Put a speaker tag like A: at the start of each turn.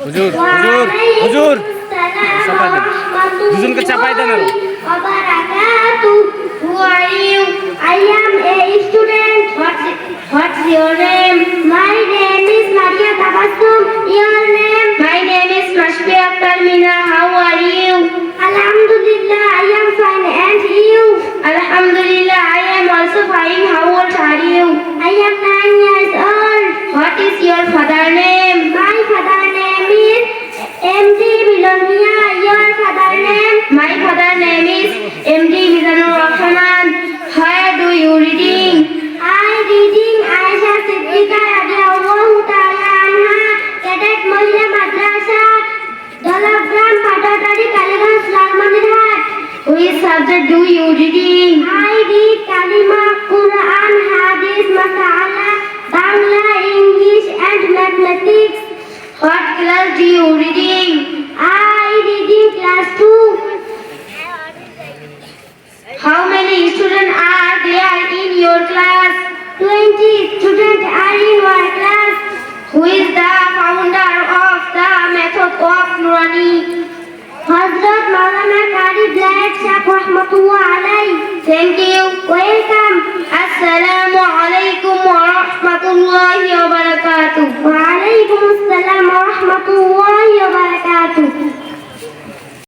A: হুজুর হুজুর হুজুর চাপাই দেন, দুজনকে চাপাই দেন আরো।
B: Who are you? I am a student. What's your name? My name is Maria Tabassum. Your name? My name is Mashfiq Talmina. How are you? Alhamdulillah, I am fine. And you? Alhamdulillah, I am also fine. How old are you? I am 9 years old. What is your father name? My father name is M.D. Milonia. Your father name? My father name is M.D. Mizanur Rahman. Where do you reading? I reading Aisha Siddiqa radhiyallahu ta'ala anha, Cadet Mohila Madrasa, Dalagram Patadari Kaliganj Lalmanirhat. Which subject do you reading? I read Kalima, Quran, Hadith, Masala, Bangla, English and Mathematics. What class do you reading? I reading class 2. How many students are there in your class? 20 students are in my class. Who is the founder of the method of Nurani? Hazrat Maulana Qari Black Shah Rahmatullah alayhi. Thank you. Welcome. Assalamu alaikum wa rahmatullahi wa barakatuh. Wa alaikum assalam wa rahmatullahi